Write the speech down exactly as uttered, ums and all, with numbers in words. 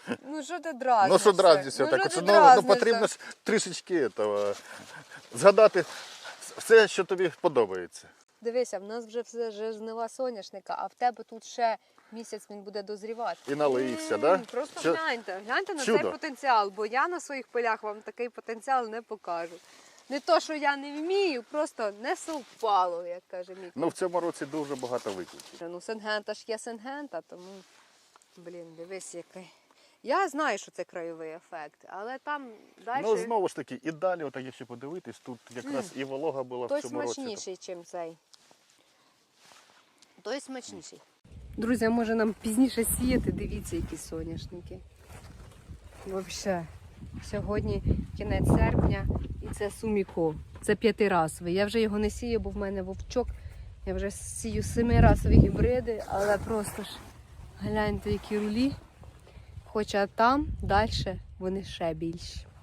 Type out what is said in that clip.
Ну що ти дразнишся? Ну що дразнишся, Ну, так, що що, ти ну, ну, дразнишся? потрібно ж трішечки этого, згадати все, що тобі подобається. Дивися, в нас вже все вже жнива соняшника, а в тебе тут ще місяць він буде дозрівати. І налився, М, да? Просто Що- гляньте, гляньте на Чудо. цей потенціал, бо я на своїх полях вам такий потенціал не покажу. Не то, що я не вмію, просто не совпало, як каже мій. Ну в цьому році дуже багато викликів. Ну, Сингента ж є Сингента, тому, блін, дивись який. Я знаю, що це краєвий ефект, але там далі Ну знову ж таки, і далі, отак, якщо подивитись, тут якраз і волога була той в цьому році. смачніший, ніж цей. Той смачніший. Друзі, а може нам пізніше сіяти, дивіться, які соняшники. Взагалі, сьогодні кінець серпня і це суміко. Це п'ятирасовий. Я вже його не сію, бо в мене вовчок. Я вже сію семирасові гібриди, але просто ж гляньте, які рулі. Хоча там далі вони ще більші.